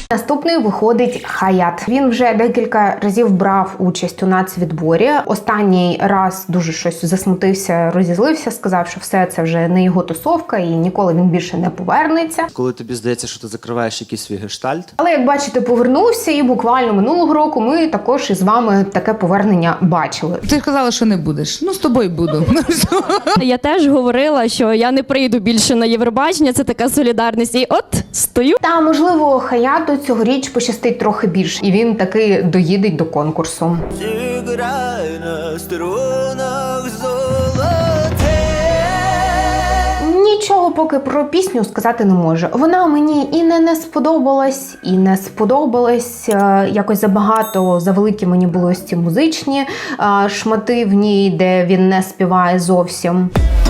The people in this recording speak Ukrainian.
Наступний виходить Хаят. Він вже декілька разів брав участь у нацвідборі. Останній раз дуже щось засмутився, розізлився, сказав, що все це вже не його тусовка і ніколи він більше не повернеться. Коли тобі здається, що ти закриваєш якийсь свій гештальт. Але, як бачите, повернувся, і буквально минулого року ми також із вами таке повернення бачили. Ти казала, що не будеш. Ну, з тобою буду. Я теж говорила, що я не прийду більше на Євробачення, це така солідарність. І от стою. Та, можливо, Хаяту цьогоріч пощастить трохи більше, і він таки доїде до конкурсу. Зіграй на струнах золотих. Нічого поки про пісню сказати не можу. Вона мені і не сподобалась, і не сподобалась. Якось забагато, завеликі мені були ось ці музичні шмати в ній, де він не співає зовсім.